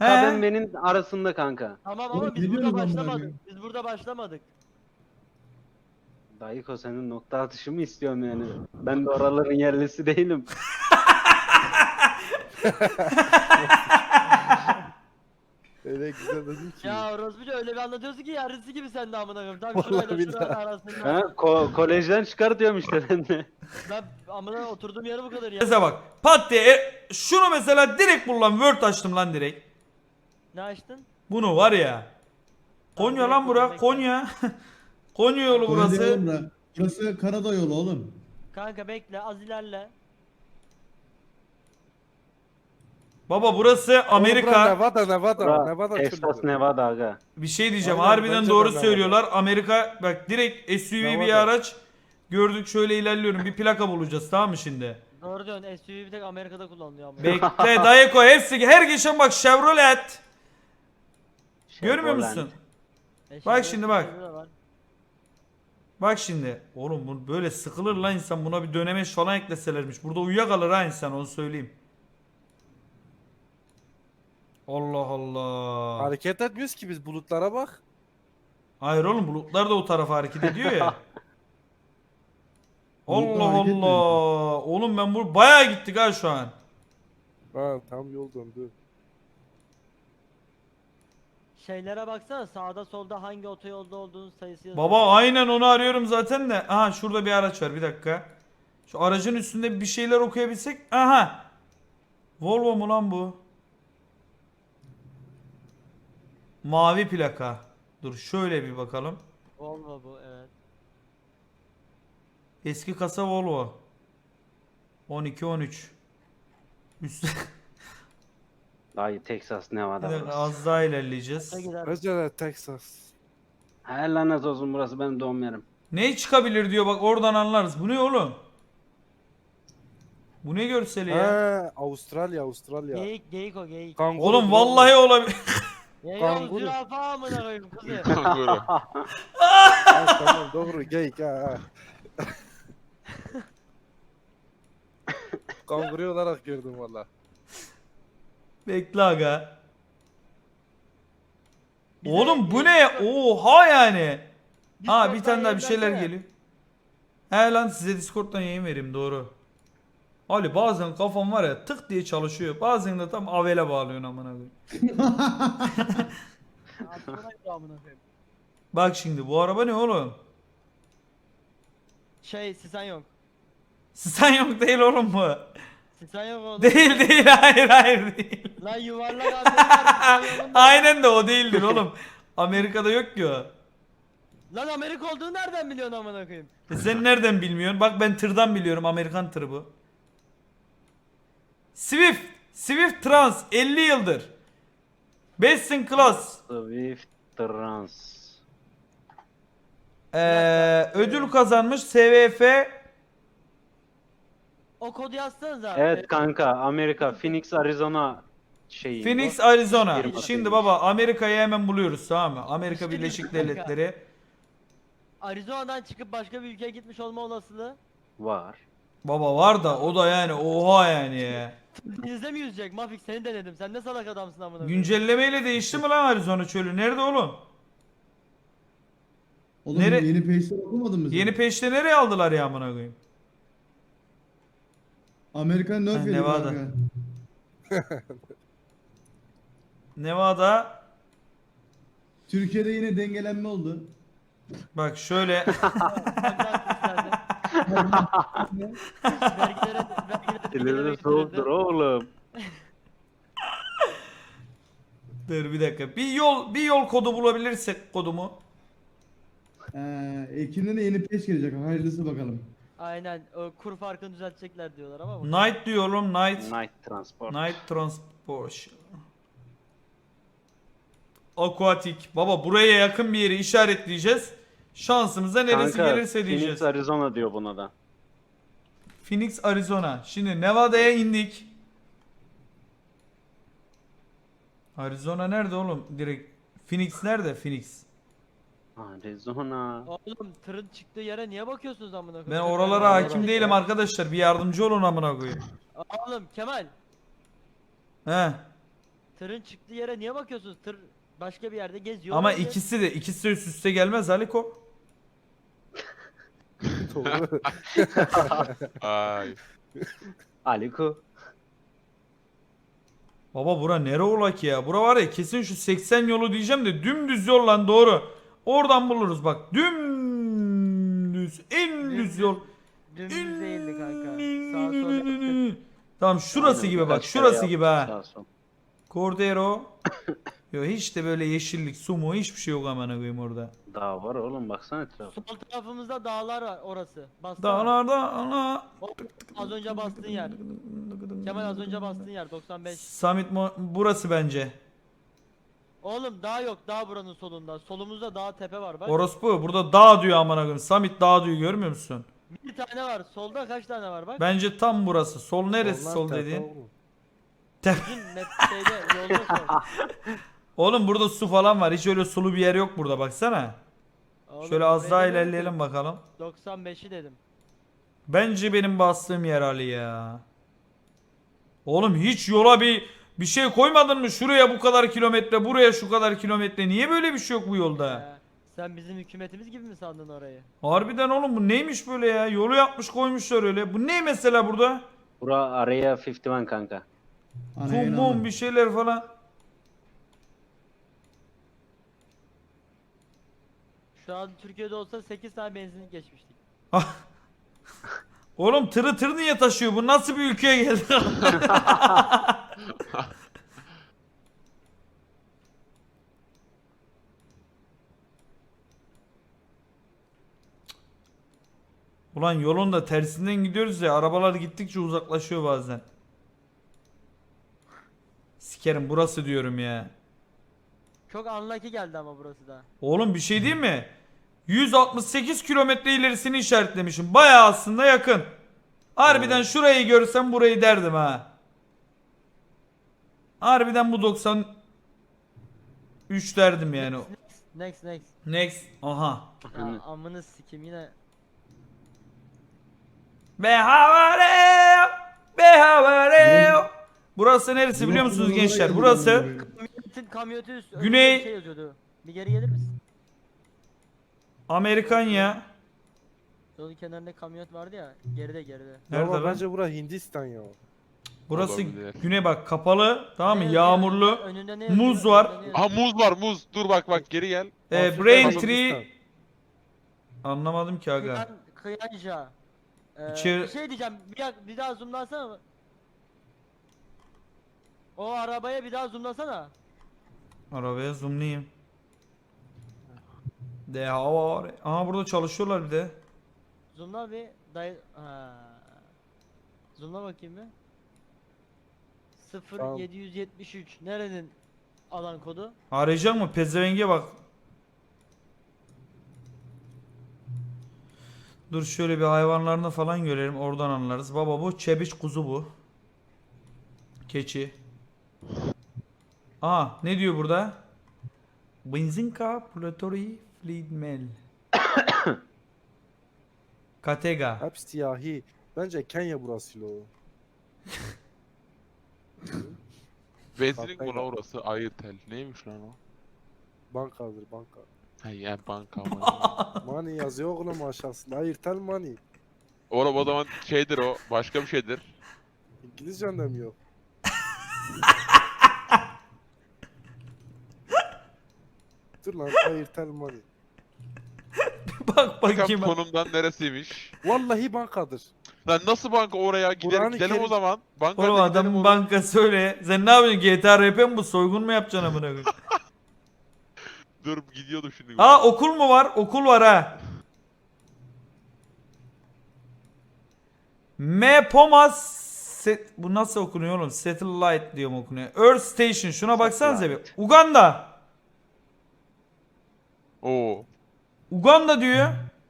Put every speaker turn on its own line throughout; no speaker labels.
KBMW'nin arasında kanka.
Tamam
Oğlum,
ama biz
ne
burada
diyorsunuz amına
başlamadık.
koyayım?
Biz burada başlamadık.
Dayıko senin nokta atışı mı istiyorum yani? Ben de oraların yerlisi değilim.
Öyle güzel dedin ki.
Ya orospuca öyle bir anlatıyorsun ki yarısı gibi sen de amına koyayım. Tam
Vallahi
şurayla
billahi.
şuranın arasında.
Ha, kolejden çıkar diyorum işte ben de.
Ben amına oturduğum yeri bu kadar ya.
Mesela bak pat diye şunu mesela direkt bul lan, Word açtım lan direkt.
Ne açtın?
Bunu var ya. Konya
Tamam,
lan bura,
bekle.
Konya. Konya yolu
Burası.
burası.
Burası Karadağ yolu oğlum.
Kanka bekle az ilerle.
Baba burası Amerika.
Nevada
Texas,
çölü.
Nevada aga.
Bir şey diyeceğim.
Aynen,
Harbiden
bence
doğru
de
söylüyorlar. Amerika bak direkt SUV bir
Nevada.
araç. Gördük, şöyle ilerliyorum. Bir plaka bulacağız, tamam mı şimdi?
Doğru diyorsun, SUV bir tek Amerika'da kullanılıyor amına.
Bekle Dayeko, hepsi her geçen bak Chevrolet. Görmüyor
Chevrolet.
musun?
Chevrolet
Bak şimdi bak.
SUV de var.
Bak şimdi. Oğlum bu böyle sıkılır lan insan, buna bir dönemeç falan ekleselermiş. Burada uyuyakalır ha insan, onu söyleyeyim. Allah Allah.
Hareket etmiyoruz ki biz, bulutlara bak.
Hayır oğlum, bulutlar da o tarafa hareket ediyor ya.
Bulutlar
Allah
hareket mi
Allah. Oğlum ben bu bayağı gittik ha şu an.
Ha tam yol döndü.
Şeylere baksana, sağda solda hangi otoyolda olduğunun sayısı yazıyor.
Baba aynen onu arıyorum zaten de. Aha şurada bir araç var, bir dakika. Şu aracın üstünde bir şeyler okuyabilsek. Aha. Volvo mu lan bu? Mavi plaka. Dur şöyle bir bakalım.
Volvo bu, evet.
Eski kasa Volvo. 12-13. Üst...
Dayı Texas, Nevada
Bir dakika,
burası.
az daha ilerleyeceğiz.
Ne gider?
Bence de Texas.
Her lanet olsun, burası benim doğum yerim.
Ne çıkabilir diyor, bak oradan anlarız. Bu ne oğlum? Bu ne görseli ya?
Ha Avustralya.
Geyik o geyik.
Kanguru
Oğlum
bro.
vallahi olabilir.
Geyik
Kanguru.
o zürafa amına koyayım kızı.
Kanguru. Ha, tamam doğru geyik ha. Kanguru olarak gördüm valla.
Bekle aga.
Bize
Oğlum bu
geyik-
ne? Oha yani. Ha bir
Discord'dan
tane daha bir şeyler
yayınlansana.
geliyor. He lan size Discord'dan yayın vereyim, doğru. Ali bazen kafam var ya tık diye çalışıyor. Bazen de tam avele bağlıyorsun amına koyayım.
Aklına gidiyor amına koyayım.
Bak şimdi bu araba ne oğlum?
Sisan yok.
Sen yok değil oğlum bu.
Sisan yok oğlum.
Değil hayır değil.
Lan yuvarlak Amerika.
Aynen de o değildir oğlum. Amerika'da yok ki o.
Lan Amerika olduğunu nereden biliyorsun amına koyayım?
Sen nereden bilmiyorsun? Bak ben tırdan biliyorum, Amerikan tırı bu. Swift Trans 50 yıldır. Best in class.
Swift Trans.
Ödül kazanmış SVF.
O kodu yazsanıza.
Evet kanka, Amerika, Phoenix, Arizona şeyi.
Phoenix,
bu.
Arizona.
Firma
Şimdi
demiş.
baba Amerika'yı hemen buluyoruz, tamam mı? Amerika
Şimdi
Birleşik
kanka.
Devletleri.
Arizona'dan çıkıp başka bir ülkeye gitmiş olma olasılığı.
Var.
Baba var da o da yani oha yani ya.
Denizde mi yüzecek? Mafik seni denedim. Sen ne salak adamsın amına koyayım.
Güncellemeyle değişti mi lan Arizona çölü? Nerede oğlum?
Oğlum
Nere-
yeni peşler okumadın mı sen?
Yeni peşte nereye aldılar ya amına koyayım?
Amerikan
Ha,
Nerf yedi
Nevada.
kanka.
Nevada.
Türkiye'de yine dengelenme oldu.
Bak şöyle.
Vergilere
Elleri soğuktur oğlum.
Dur bir dakika. Bir yol kodu bulabilirsek kodumu.
Ekim'de de yeni peş gelecek. Hayırlısı bakalım.
Aynen o kur farkını düzeltecekler diyorlar ama bu.
Night diyorum, Night.
Night Transport.
Night Transport. Aquatic. Baba buraya yakın bir yeri işaretleyeceğiz. Şansımıza neresi
Kanka,
gelirse diyeceğiz.
Phoenix, Arizona diyor buna da.
Phoenix, Arizona. Şimdi Nevada'ya indik. Arizona nerede oğlum? Direkt Phoenix nerede? Phoenix.
Arizona.
Oğlum tırın çıktığı yere niye bakıyorsunuz amına
Ben
koyayım?
oralara hakim değilim arkadaşlar. Bir yardımcı olun amına koyayım.
Oğlum Kemal,
He.
tırın çıktığı yere niye bakıyorsunuz? Tır başka bir yerde geziyor.
Ama
olabilir.
ikisi de üst üste gelmez Aliko.
Doğru.
Ay.
Aliko.
Baba bura nere ola ki ya? Bura var ya kesin şu 80 yolu diyeceğim de dümdüz yol lan doğru. Oradan buluruz bak. Dümdüz. En düz yol.
Dümdüz değildi kanka. Sağa sola yaptık.
Tamam şurası
Aynen,
gibi bak.
birkaç kere
Şurası gibi
yaptık
ha.
sağ sol.
Cordero. Yo hiç de böyle yeşillik, su mu hiçbir şey yok amına koyayım orada.
Daha var oğlum baksana etrafa.
Sol tarafımızda dağlar var orası. Bassana.
Dağlarda ana.
Az önce bastığın yer. Kemal az önce bastığın yer 95.
Burası bence.
Oğlum dağ yok, dağ buranın solunda. Solumuzda dağ tepe var bak.
Orospu burada dağ diyor amına koyayım. Summit dağ diyor görmüyor musun?
Bir tane var. Solda kaç tane var bak.
Bence tam burası. Sol neresi
Onlar
sol
tepe
dediğin?
oğlum.
Bizim net şeyde yolda sol.
Oğlum burada su falan var. Hiç öyle sulu bir yer yok burada baksana.
Oğlum,
Şöyle az daha
buraya dedim
ilerleyelim
ki,
bakalım.
95'i dedim.
Bence benim bastığım yer Ali ya. Oğlum hiç yola bir şey koymadın mı? Şuraya bu kadar kilometre, buraya şu kadar kilometre. Niye böyle bir şey yok bu yolda?
Sen bizim hükümetimiz gibi mi sandın orayı?
Harbiden oğlum bu neymiş böyle ya? Yolu yapmış koymuşlar öyle. Bu ne mesela burada?
Bura araya 51 kanka.
Kum mum bir şeyler falan.
Şu an Türkiye'de olsa 8 tane benzinlik geçmiştik.
Oğlum tır niye taşıyor? Bu nasıl bir ülkeye geldi? Ulan yolun da tersinden gidiyoruz ya. Arabalar gittikçe uzaklaşıyor bazen. Sikerim burası diyorum ya.
Çok unlucky geldi ama burası da.
Oğlum bir şey değil mi? 168 kilometre ilerisini işaretlemişim. Bayağı aslında yakın. Harbiden şurayı görsem burayı derdim ha. Harbiden bu 93 derdim yani.
Next.
Next. Aha.
Ya, amını sikim yine.
Behavare. Behavare. Burası neresi biliyor musunuz gençler? Burası
Kamyoneti üstü.
Güney-
Bir şey yazıyordu. Bir geri gelir misin?
Amerikanya.
Yolun kenarında kamyonet vardı ya. Geride.
Nerede
Ama
lan?
bence bura Hindistan ya.
Burası
Olabilir.
güney bak kapalı. Tamam mı?
Ne yazıyor?
Yağmurlu.
Önünde ne
Muz
yazıyor?
var.
Önünde ne yazıyor?
Aha muz var muz. Dur bak geri gel.
Afrika,
Braintree.
Hindistan.
Anlamadım ki aga.
Kıyanca.
İçeri-
Bir şey diyeceğim. Bir daha zoomlasana. O arabaya bir daha zoomlasana.
Arabaya zoomlayayım. De hava. Aha burada çalışıyorlar bir de.
Zoomla bir ha. Zoomla bakayım bir.
Tamam.
0773 nerenin alan kodu?
Arayacak mı? Pezevenge bak. Dur şöyle bir hayvanlarını falan görelim. Oradan anlarız. Baba bu çebiç kuzu bu. Keçi. Aa ne diyor burada? Benzinka Platori Fleetmel. Katega.
Hep siyahi. Bence Kenya burası lo.
Benzinlik
Kafayla.
mi lan orası? Ayırtel. Neymiş lan o?
Bankadır banka.
Ha ya banka.
Money yazıyor oğlum aşağısında. Ayrıtel money.
Oğlum o zaman şeydir o. Başka bir şeydir.
İngilizcen de mi yok? Dur lan Ayrıtel money.
Bak
Bakalım
bakayım.
konumdan neresiymiş.
Vallahi bankadır.
Lan nasıl banka oraya?
Kur'an-ı
Gidelim
Kerim-
o zaman. Banka
Oğlum
hadi gidelim
adamın
oraya.
bankası öyle. Sen ne yapıyorsun? GTA RP mi bu? Soygun mu yapacaksın amına koyayım?
Dur gidiyordum şimdi.
Aa okul mu var? Okul var ha. Mepomas bu nasıl okunuyor oğlum? Satellite diyor mu okunuyor? Earth Station şuna baksanıza bir. Uganda.
Oo.
Uganda diyor.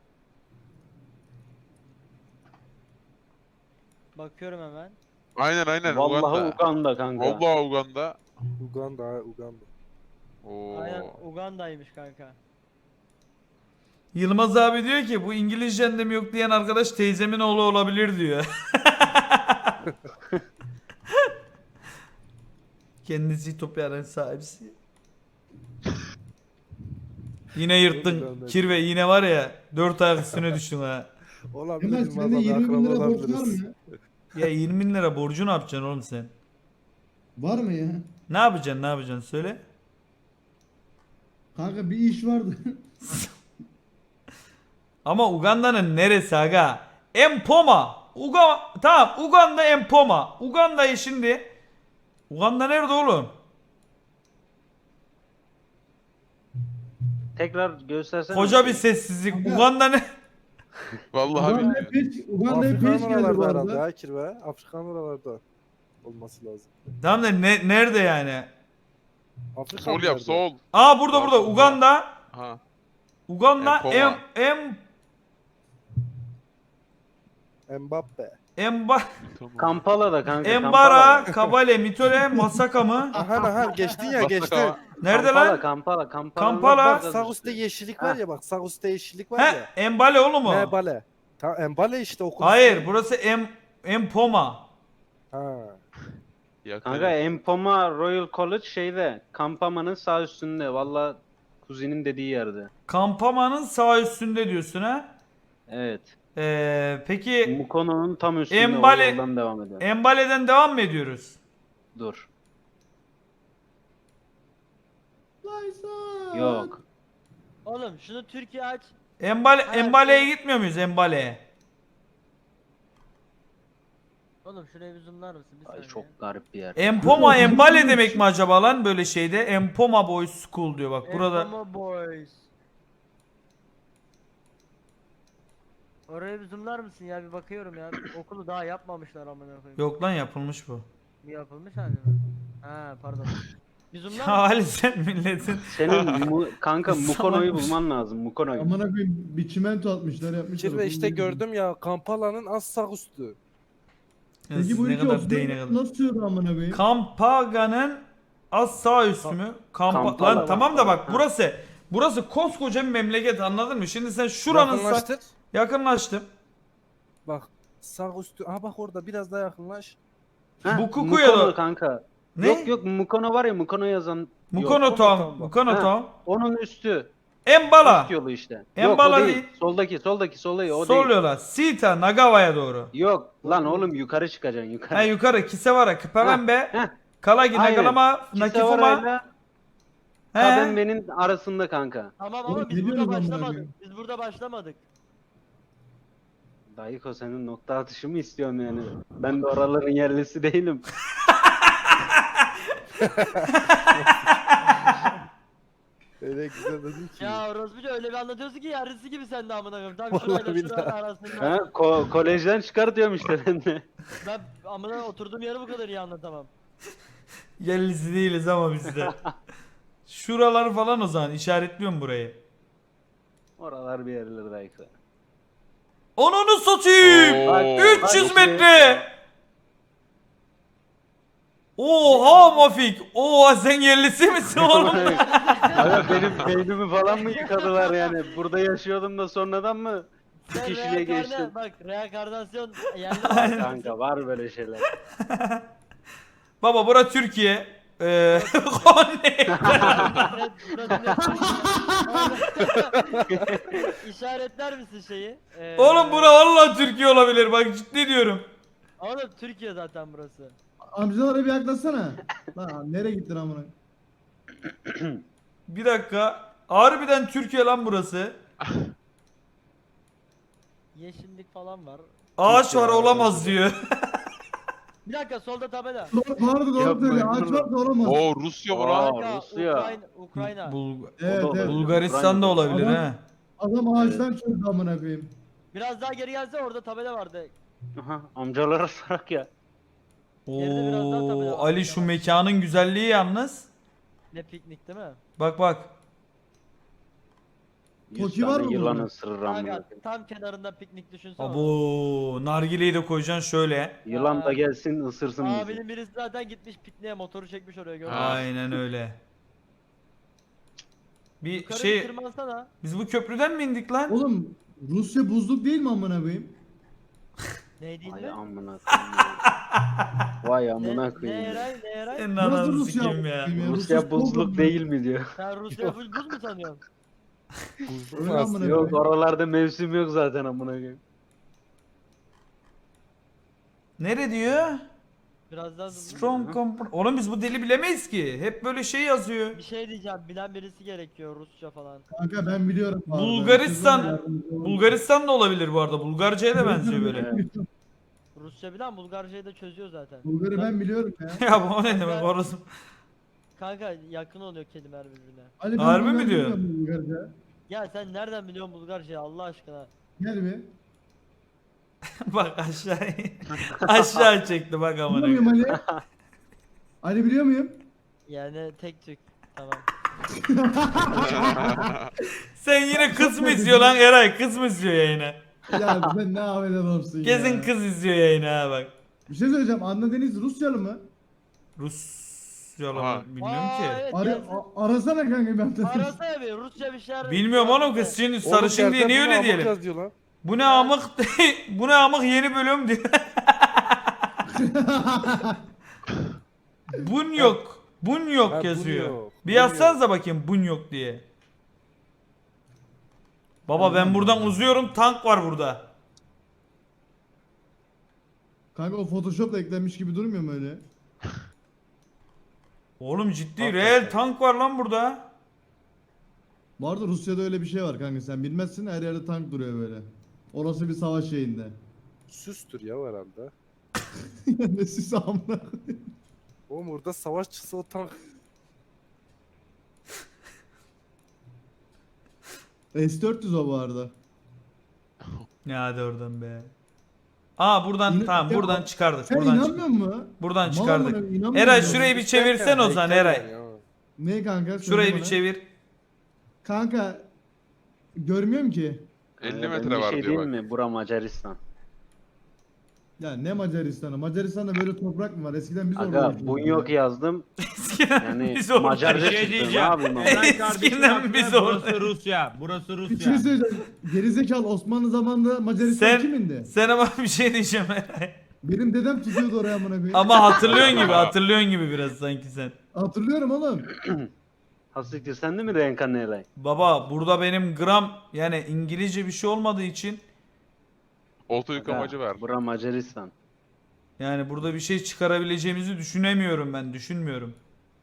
Bakıyorum hemen.
Aynen
Vallahi
Uganda.
Uganda kanka.
Vallahi Uganda.
Uganda.
Oo.
Aynen Uganda'ymış kanka.
Yılmaz abi diyor ki bu İngilizcen de mi yok diyen arkadaş teyzemin oğlu olabilir diyor. Kendisi Ütopya'nın sahibisi. Yine yırttın. Kirve yine var ya 4 ayak üstüne düştün ha.
Olabilir.
Ömer sende 20 bin lira borç var mı ya?
Ya 20 bin lira borcu ne yapacaksın oğlum sen?
Var mı ya?
Ne yapacaksın söyle.
Kanka bir iş vardı.
Ama Uganda'nın neresi aga? Empoma. Tamam Uganda Empoma. Uganda'yı şimdi. Uganda nerede oğlum?
Tekrar göstersene.
Koca bir sessizlik.
Aga.
Uganda ne?
Vallahi
Uganda'ya
bilmiyorum.
Uganda'ya
Afrikan
peş geldi bu
oralarda herhalde
arada.
ya kirve. Afrikan oralarda olması lazım.
Tamam da nerede yani?
Afrika
Sol
mı
yap
nerede?
sol.
Aa burada
Pardon,
Uganda.
Ha.
Uganda
Empoma.
Mbappe.
Tamam.
Kampala'da kanka.
Embara,
Kampala'da.
Kabale, Mitole, Masaka mı?
Aha geçtin ya geçtin.
Nerede
Kampala,
lan?
Kampala.
Kampala.
Bak sağ üstte yeşillik var ya bak sağ üstte yeşillik var
He,
ya.
Embale oğlum o.
Mbale. Tamam Mbale işte okul.
Hayır, burası Empoma.
Ha.
Kanka Empoma Royal College şeyde. Kampama'nın sağ üstünde. Valla kuzinin dediği yerde.
Kampama'nın sağ üstünde diyorsun ha?
Evet.
Peki
Mukono'nun tam üstünde.
Embale-
O yoldan devam edelim.
Embale'den devam mı ediyoruz?
Dur.
Lysa.
Yok.
Oğlum şunu Türkiye aç.
Embale'ye gitmiyor muyuz Embale'ye?
Oğlum şuraya bir zoomlar mısın? Bir
Ay
saniye.
çok garip bir yer.
Empoma Embale demek mi acaba lan böyle şeyde? Empoma Boys School diyor bak burada.
Empoma Boys. Oraya bir zoomlar mısın ya, bir bakıyorum ya. Okulu daha yapmamışlar amına koyayım.
Yok lan yapılmış bu.
Bir yapılmış hani mi? Ha pardon. Bir zoomlar
Ya
mısın?
Ali sen milletin.
Senin kanka Mukono'yu
Salakmış.
bulman lazım. Mukono'yu.
Amına koyayım bir çimento atmışlar yapmışlar.
Kirve işte gördüm ya Kampala'nın az sağ üstü.
Peki bu
ne
ülke
kadar değine kadar.
nasıl sığdı amına koyayım?
Kampaga'nın az sağ üstü mü?
Kampala
Lan
bak.
tamam da bak
Ha.
burası koskoca bir memleket anladın mı? Şimdi sen şuranın
Yakınlaştır.
yakınlaştım.
Bak sağ üstü. Aha bak orada biraz daha yakınlaş.
Heh,
Bu Kuku'ya da-
Mukono kanka.
Ne?
Yok Mukono var ya Mukono yazan.
Mukono
Yok.
Town.
bak.
Mukono
Ha.
Town.
Onun üstü.
Embala.
Üst yolu işte.
Embala
Yok o
değil.
değil. Soldaki o
Sol
değil.
yola. Sita Nagawa'ya doğru.
Yok lan oğlum yukarı çıkacaksın yukarı.
Ha yukarı Kisewara, Kipavembe,
Heh.
Kalagi,
Aynen.
Nagalama, Nakifuma.
Kisavara'yla
He.
Kabembe'nin arasında kanka.
Tamam
Oğlum,
ama
ne
biz burada
diyorsun amına
başlamadık.
koyayım?
Biz burada başlamadık.
Dayıko senin nokta atışı mı istiyorsun yani? Ben de oraların yerlisi değilim.
Öyle güzel dedin ki.
Ya orospuca öyle bir anlatıyorsun ki yarısı gibi sen de amına koyayım. Tam şurayla
Vallahi
şuranın
billahi.
arasında.
Ha, kolejden çıkar diyorum işte ben de.
Ben amına oturduğum yeri bu kadar iyi anlatamam.
Yerlisi değiliz ama biz de. Şuralar falan o zaman işaretliyorum burayı.
Oralar bir yerler Dayıko.
Onunu satayım.
Oo.
Bak,
300
bak,
metre. Oha Mafik. Oha sen yerlisi misin oğlum?
Abi benim beynimi falan mı yıkadılar yani? Burada yaşıyordum da sonradan mı? Bir
Sen
kişiliğe geçtim.
bak reenkarnasyon yerli
Var kanka var böyle şeyler.
Baba bura Türkiye. Konya.
İşaretler misin şeyi?
Oğlum bura vallahi Türkiye olabilir bak ciddi diyorum.
Oğlum Türkiye zaten burası.
Amcalara bir yaklaşsana. Lan nereye gittin amına?
Bir dakika. Harbiden Türkiye lan burası.
Yeşillik falan var.
Ağaç var olamaz diyor.
Bir dakika solda tabela.
Vardı doğru
Yapma,
söylüyor. Ağaç
yapma.
var da olamaz.
Oo Rusya var ha.
Kanka,
Rusya.
Ukrayna.
Evet
O da
evet.
olabilir.
Bulgaristan'da olabilir
Adam-
ha.
Adam ağaçtan çözdü amına koyayım.
Biraz daha geri gelse orada tabela vardı.
Aha, amcalara sorak ya.
Geride biraz daha tabii
Oo
de
Ali
ağaç
şu
var.
mekanın güzelliği yalnız.
Ne piknik değil mi?
Bak bak.
100
Toki var
tane
mı
yılan
burada?
ısırır amına
Kanka
koyayım.
tam kenarında piknik düşünsene.
Abo nargileyi de koyacaksın şöyle.
Yılan da gelsin ısırsın bizi.
Abinin birisi zaten gitmiş pikniğe motoru çekmiş oraya gördün mü?
Ha.
Aynen öyle. Bir
Yukarı
şey
bir tırmansana.
biz bu köprüden mi indik lan?
Oğlum Rusya buzluk değil mi amına koyayım?
Neydi
Ay
mi?
amına koyayım. Vay
Ne,
amına
ne
koyayım.
Eray ne Eray?
Senin
Nasıl
ananı
Rusya?
sikeyim ya.
Rusya buzluk değil mi diyor.
Sen Rusya full buz mu sanıyorsun?
Buzlu
Öyle
fas.
amına
Yok
koyayım.
oralarda mevsim yok zaten amına koyayım.
Nere diyor?
Biraz daha hızlı.
Strong Oğlum biz bu dili bilemeyiz ki. Hep böyle şey yazıyor.
Bir şey diyeceğim, bilen birisi gerekiyor Rusça falan.
Kanka ben biliyorum. bu arada.
Bulgaristan.
Kızım yardımcı olun.
Bulgaristan da olabilir bu arada. Bulgarca'ya da benziyor böyle.
Rusça bilen Bulgarcayı da çözüyor zaten.
Bulgarı ben biliyorum ya.
Ya bu ne demek orası?
Kanka yakın oluyor kelimeler birbirine.
Ali, ben
Harbi mi
Bulgarca
diyor?
biliyorum Bulgarca.
Ya sen nereden biliyorsun Bulgarcayı Allah aşkına?
Gel bir.
Bak aşağı aşağı çekti bak
Biliyor
amına.
muyum
koyayım.
Ali? Ali biliyor muyum?
Yani tek tük. Tamam.
Sen yine kız mı izliyor lan Eray? Kız mı izliyor yayını?
Ya sen ne haber adamsın
Kesin
ya.
kız izliyor yayını ha bak.
Bir şey söyleyeceğim. Anna Deniz Rusyalı mı?
Rusyalı
Ha.
mı? Bilmiyorum ki.
Evet,
Ara,
gelsin.
arasana kanka ben.
Arasana bir Rusça bir şeyler.
Bilmiyorum oğlum kız şimdi sarışın diye niye öyle diyelim?
Yazıyor lan.
Bu ne amık bu ne amık yeni bölüm diyor. Bun yok. Bun yok
Ha, bun
yazıyor.
yok,
Bir
bun
yazsanıza bakayım bun yok diye. Baba ben buradan uzuyorum tank var burada.
Kanka o Photoshop'la eklenmiş gibi durmuyor mu öyle?
Oğlum ciddi
Hakikaten.
reel tank var lan burada.
Bu arada Rusya'da öyle bir şey var kanka sen bilmezsin her yerde tank duruyor böyle. Orası bir savaş şeyinde.
Süstür ya herhalde.
Ne siz amına.
Oğlum orada savaş çıksa o tank.
S-400 o bu arada.
Ya hadi oradan be. Aa buradan
İnan-
tamam
Ya,
buradan çıkardık.
Sen
Buradan
inanmıyor musun?
buradan
Mal
çıkardık.
amına, inanmıyor
Eray
musun?
şurayı bir çevirsen o zaman Eray.
Ya.
Ne kanka? Söyle
Şurayı bir
bana.
çevir.
Kanka görmüyorum ki.
50
Ben
metre
bir
var
şey
diyor
diyeyim
bak.
mi? Bura Macaristan.
Ya ne Macaristan'ı? Macaristan'da böyle toprak mı var? Eskiden biz orada
Aga
yaşıyorduk
bun
ya.
yok yazdım.
Eskiden
Yani
biz orada.
Macarca
Bir şey
çıktı. Ne
diyeceğim.
yapayım ama?
Eray kardeşim
Eskiden
haklı,
biz
burası
orada.
Rusya. Burası
Bir şey
Rusya.
söyleyeceğim. Gerizekalı Osmanlı zamanında Macaristan
Sen
kimindi?
sen ama bir şey diyeceğim Eray.
Benim dedem tutuyordu oraya amına koyayım.
Ama hatırlıyorsun gibi biraz sanki sen.
Hatırlıyorum oğlum.
Hastiktir sen de mi reenkarne Eray?
Baba burada benim gram yani İngilizce bir şey olmadığı için
Olta yıkamacı
Aga,
ver.
Bura Macaristan.
yani burada bir şey çıkarabileceğimizi düşünemiyorum ben. Düşünmüyorum.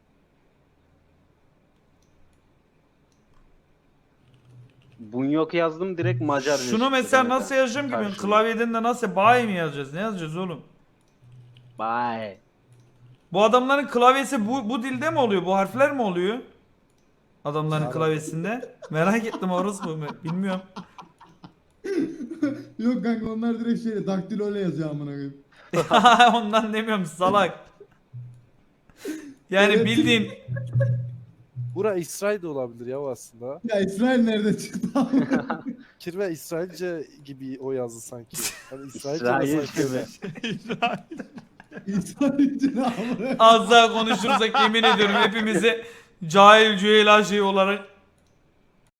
Bun yok yazdım direkt Macarca
Şunu
çıktı
mesela
kanka.
nasıl yazacağım ki ben
Karşımda.
klavyeden de nasıl bay mi yazacağız? Ne yazacağız oğlum?
Bye.
Bu adamların klavyesi bu dilde mi oluyor? Bu harfler mi oluyor? Adamların
Arap.
klavyesinde. Merak ettim orası mı? Bilmiyorum.
Yok kanka onlar direkt şey daktiloyla yazıyor amına koyayım.
Ondan demiyorum salak. Yani
Evet.
bildiğin
Bura İsrail de olabilir ya aslında.
Ya İsrail nerede çıktı?
Kirve İsrailce gibi o yazdı sanki. Hani İsrailce
İsrail
nasıl
gibi.
İsrail'ci ne amına koyayım?
az daha konuşursak yemin ediyorum hepimizi cahil cühela şey olarak